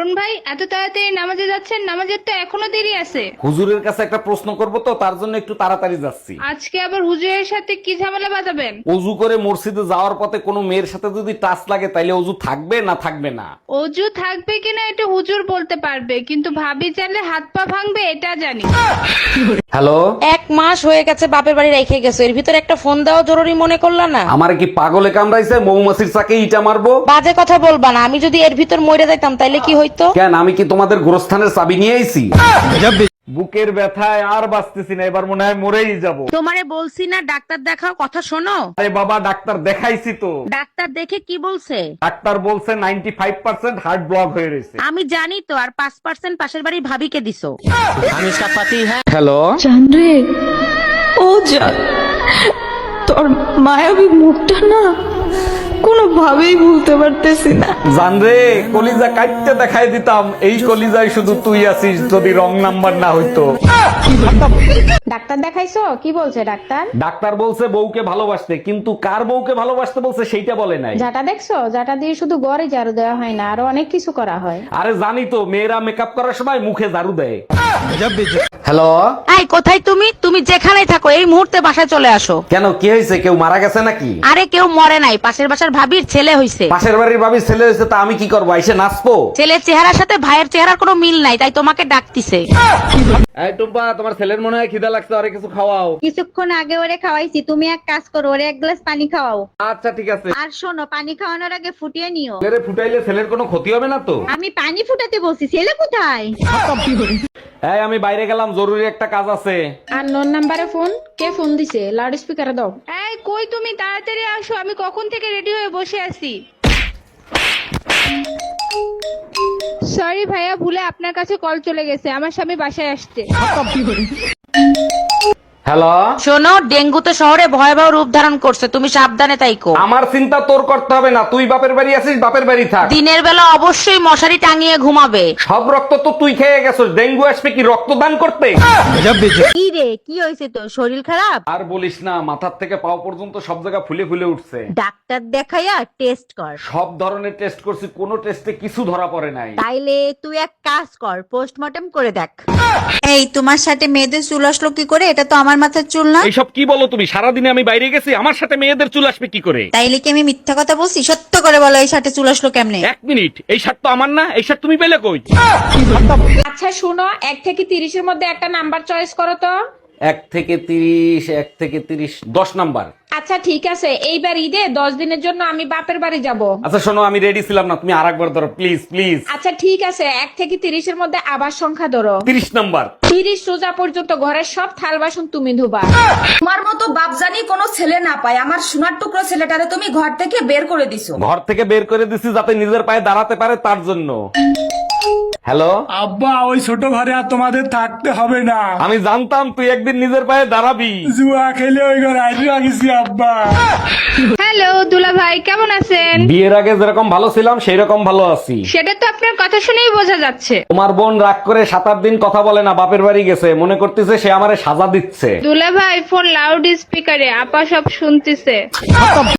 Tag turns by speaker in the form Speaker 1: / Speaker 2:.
Speaker 1: অরুণ ভাই, এত তাড়াতাড়ি নামাজে যাচ্ছেন? নামাজের তো এখনো দেরি আছে।
Speaker 2: হুজুরের কাছে একটা প্রশ্ন করব তো, তার জন্য একটু তাড়াতাড়ি যাচ্ছি।
Speaker 1: আজকে আবার হুজুরের সাথে কি ঝামেলা বাঁধাবেন?
Speaker 2: অজু করে মসজিদে যাওয়ার পথে কোনো মেয়ের সাথে যদি টাচ লাগে তাইলে অজু থাকবে না থাকবে না?
Speaker 1: অজু থাকবে কিনা এটা হুজুর বলতে পারবে, কিন্তু ভাবি চাইলে হাত পা ভাঙবে এটা জানি।
Speaker 2: হ্যালো,
Speaker 3: 1 মাস হয়ে গেছে বাপের বাড়ি রেখে গেছো, এর ভিতর একটা ফোন দেওয়া জরুরি মনে করলা না?
Speaker 2: আমারে কি পাগলে কামড়াইছে? মৌমাছির চাকে ইটা মারবো?
Speaker 3: বাজে কথা বলবা না, আমি যদি এর ভিতর মরে যাইতাম তাইলে কি হইতো?
Speaker 2: কেন, আমি কি তোমাদের গোরস্থানের চাবি নিয়ে আইছি? বুকের ব্যথায় আর বাঁচতেছি না, এবার মনে হয় মরেই যাব।
Speaker 3: তোমারে বলছি না ডাক্তার দেখাও, কথা শোনো।
Speaker 2: আরে বাবা, ডাক্তার দেখাইছি তো।
Speaker 3: ডাক্তার দেখে কি বলছে?
Speaker 2: ডাক্তার বলছে 95% হার্ট ব্লক হয়ে রয়েছে।
Speaker 3: আমি জানি তো, আর 5% পাশের বাড়ির ভাবিকে দিছো।
Speaker 2: হ্যালো,
Speaker 4: জানরে ও জান, তোর মায়াবী মুখটা না কোনোভাবেই ভুলতে পারতেছি না।
Speaker 2: জানরে কলিজা কাটতে দেখাই দিতাম, এই কলিজায় শুধু তুই আছিস, যদি রং নাম্বার না হইতো।
Speaker 5: ডাক্তার দেখাইছো? কি বলছে ডাক্তার?
Speaker 2: ডাক্তার বলছে বউকে ভালোবাসতে, কিন্তু কার বউকে ভালোবাসতে বলছে সেইটা বলে নাই।
Speaker 5: যাটা দেখছো, যাটা দিয়ে শুধু গড়ে ঝাড়ু দেওয়া হয় না, আরো অনেক কিছু করা হয়।
Speaker 2: আরে জানি তো, মেয়েরা মেকআপ করার সময় মুখে ঝাড়ু দেয়। হ্যালো,
Speaker 3: এই কোথায় তুমি? তুমি যেখানেই থাকো এই মুহূর্তে বাসায় চলে আসো।
Speaker 2: কেন, কি হয়েছে? কেউ মারা গেছে নাকি?
Speaker 3: আরে কেউ মরে নাই, পাশের বাসার ভাবির ছেলে হইছে।
Speaker 2: পাশের বাড়ির ভাবির ছেলে হয়েছে, তা আমি কি করবো? এসে নাচবো?
Speaker 3: ছেলের চেহারার সাথে ভাইয়ের চেহারার কোনো মিল নাই, তাই তোমাকে ডাকতিছে।
Speaker 2: এই টুম্পা, তোমার ছেলের মনে হয় খিদা লাগছে, আরে কিছু খাওয়াও।
Speaker 6: কিছুক্ষণ আগে ওরে খাওয়াইছি, তুমি এক কাজ করো, ওরে 1 গ্লাস পানি খাওয়াও।
Speaker 2: আচ্ছা ঠিক আছে।
Speaker 6: আর শোনো, পানি খাওয়ানোর আগে ফুটিয়ে নিও।
Speaker 2: ছেলেরে ফুটাইলে ছেলের কোনো ক্ষতি হবে না তো?
Speaker 6: আমি পানি ফুটাতে বলছি, ছেলে কোথায়?
Speaker 2: এই আমি বাইরে গেলাম, জরুরি একটা কাজ আছে।
Speaker 5: আর নোন নাম্বারে ফোন, কে ফোন দিছে? লাউড স্পিকারে দাও।
Speaker 1: এই কই তুমি, তাড়াতাড়ি আসো, আমি কখন থেকে রেডি হয়ে বসে আছি। সরি ভাইয়া, ভুলে আপনার কাছে কল চলে গেছে, আমার স্বামী বাসায় আসছে।
Speaker 2: হ্যালো,
Speaker 3: শোনো, ডেঙ্গু তো শহরে ভয়াবহ রূপ ধারণ করছে, তুমি সাবধানে তাইকো।
Speaker 2: আমার চিন্তা তোর করতে হবে না, তুই বাপের বাড়ি আছিস, বাপের বাড়ি থাক।
Speaker 3: দিনের বেলা অবশ্যই মশারি টাঙিয়ে ঘুমাবে।
Speaker 2: সব রক্ত তো তুই খেয়ে গেছিস, ডেঙ্গু আসবে কি রক্তদান করতে?
Speaker 6: কি রে, কি হয়েছে তোর? শরীর খারাপ?
Speaker 2: আর বলিস না, মাথার থেকে পাও পর্যন্ত সব জায়গা ফুলে ফুলে উঠছে।
Speaker 6: ডাক্তার দেখাইয়া টেস্ট কর।
Speaker 2: সব ধরনের টেস্ট করছি, কোনো টেস্টে কিছু ধরা পড়ে নাই।
Speaker 6: তাইলে তুই এক কাজ কর, পোস্টমর্টম করে দেখ। এই তোমার সাথে মেয়েদের চুল আসলো কি করে? এটা তো আমার মাথার চুল না।
Speaker 2: এইসব কি বলো তুমি? সারাদিনে আমি বাইরে গেছি, আমার সাথে মেয়েদের চুল আসবে কি করে?
Speaker 6: তাইলে কি আমি মিথ্যা কথা বলছি? সত্য করে বলো, এই সাথে চুল আসলো কেমনে?
Speaker 2: এক মিনিট, এই শার্ট তো আমার না, এই শার্ট তুমি পেলে কই?
Speaker 5: আচ্ছা শুনো, 1 থেকে 30-এর মধ্যে একটা নাম্বার চয়েস করো তো।
Speaker 2: 1 থেকে 30, 1 থেকে 30, 10 নাম্বার।
Speaker 5: আচ্ছা ঠিক আছে, এইবার ঈদে 10 দিনের জন্য আমি বাপের বাড়ি যাব।
Speaker 2: আচ্ছা শোনো, আমি রেডি ছিলাম না, তুমি আরেকবার ধরো প্লিজ প্লিজ।
Speaker 5: আচ্ছা ঠিক আছে, 1 থেকে 30-এর মধ্যে আবার সংখ্যা ধরো।
Speaker 2: 30 নাম্বার।
Speaker 5: 30 সোজা পর্যন্ত ঘরের সব থাল বাসন তুমি ধোবা।
Speaker 7: তোমার মতো বাপজানি কোনো ছেলে না পায়, আমার সোনার টুকরো ছেলেটারে তুমি ঘর থেকে বের করে দিছো।
Speaker 2: ঘর থেকে বের করে দিছি যাতে নিজের পায়ে দাঁড়াতে পারে, তার জন্য। হ্যালো
Speaker 8: আব্বা, ওই ছোট ঘরে আর তোমাদের থাকতে হবে না।
Speaker 2: আমি জানতাম তুই একদিন নিজের পায়ে দাঁড়াবি।
Speaker 8: জুয়া খেলে ওই ঘরে আইডিয়া গেছি আব্বা।
Speaker 1: হ্যালো দুলা ভাই, কেমন আছেন?
Speaker 2: বিয়ের আগে যেরকম ভালো ছিলাম সেই রকম ভালো আছি।
Speaker 1: সেটা তো আপনার কথা শুনেই বোঝা যাচ্ছে।
Speaker 2: তোমার বোন রাগ করে 7-8 দিন কথা বলে না, বাপের বাড়ি গেছে, মনে করতেছে সে আমারে সাজা দিচ্ছে।
Speaker 1: দুলা ভাই, ফোন লাউড স্পিকারে, আপা সব শুনতেছে।